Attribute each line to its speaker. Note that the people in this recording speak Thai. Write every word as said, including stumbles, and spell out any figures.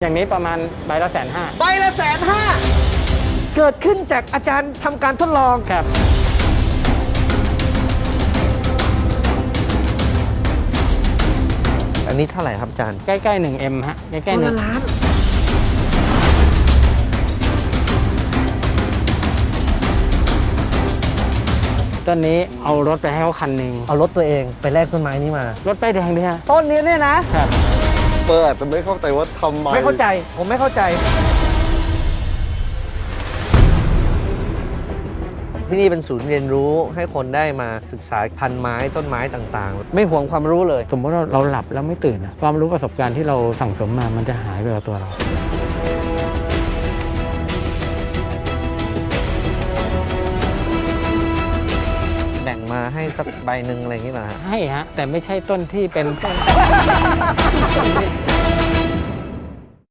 Speaker 1: อย่างนี้ประมาณใบละแสนห้า
Speaker 2: ใบละแสนห้าเกิดขึ้นจากอาจารย์ทำการทดลอง
Speaker 1: ครับ
Speaker 2: อันนี้เท่าไหร่ครับอาจารย์
Speaker 1: ใกล้ๆหนึ่งเอ็มฮะใกล้ๆหนึ่งล้านต้นนี้เอารถไปให้เขาคันหนึ่ง
Speaker 2: เอารถตัวเองไปแลกต้นไม้นี้มาร
Speaker 1: ถป้ายแดงด้วยฮะ
Speaker 2: ต้นนี้เนี่ยนะครับ
Speaker 3: เปิดแต่ไม่เข้าใจว่าทำไม
Speaker 2: ไม่เข้าใจผมไม่เข้าใจที่นี่เป็นศูนย์เรียนรู้ให้คนได้มาศึกษาพันธุ์ไม้ต้นไม้ต่างๆไม่ห่วงความรู้เลย
Speaker 1: สมมติว่าเราหลับแล้วไม่ตื่นนะความรู้ประสบการณ์ที่เราสั่งสมมามันจะหายไปกับตัวเรา
Speaker 2: แบ่งมาให้สักใบหนึ่งอะไรอย่างนี้เหรอฮะ
Speaker 1: ให้ฮะแต่ไม่ใช่ต้นที่เป็นต้น